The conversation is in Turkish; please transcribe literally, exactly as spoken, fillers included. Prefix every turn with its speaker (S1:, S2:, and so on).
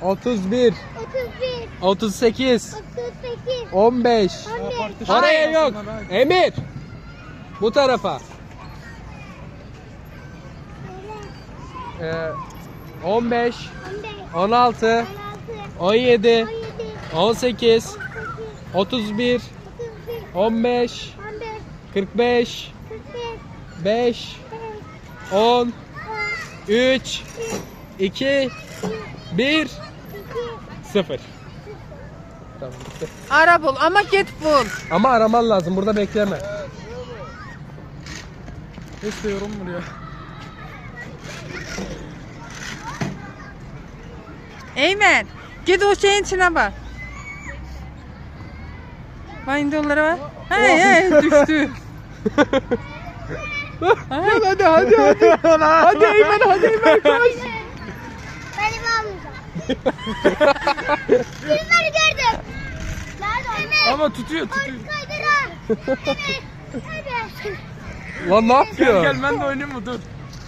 S1: otuz bir,
S2: otuz bir,
S1: otuz sekiz,
S2: otuz sekiz,
S1: on beş.
S2: on beş,
S1: Oraya yok. Emir. Bu tarafa. Ee, on beş,
S2: on beş,
S1: on altı,
S2: on altı,
S1: on yedi,
S2: on yedi,
S1: on sekiz,
S2: on sekiz,
S1: otuz bir,
S2: otuz bir,
S1: on beş,
S2: on beş,
S1: kırk beş,
S2: kırk beş,
S1: beş,
S2: beş,
S1: on,
S2: on,
S1: üç, iki, bir,
S2: iki,
S1: sıfır. Tamam bitti.
S3: Ara bul ama git bul.
S1: Ama araman lazım. Burada bekleme.
S4: İstiyorum buraya.
S3: Eymen git o şeyin içine bak. Bak indi onlara bak. Hey hey düştü.
S1: Hadi hadi hadi hadi. Hadi Eymen hadi Eymen koş.
S2: Benim almayacağım. Filmleri gördüm. Nerede? Evet.
S4: Ama tutuyor tutuyor.
S2: Kaydıra. Evet. Evet.
S1: Lan ne
S4: Gel
S1: yapıyor?
S4: gel ben de oynayayım mı dur.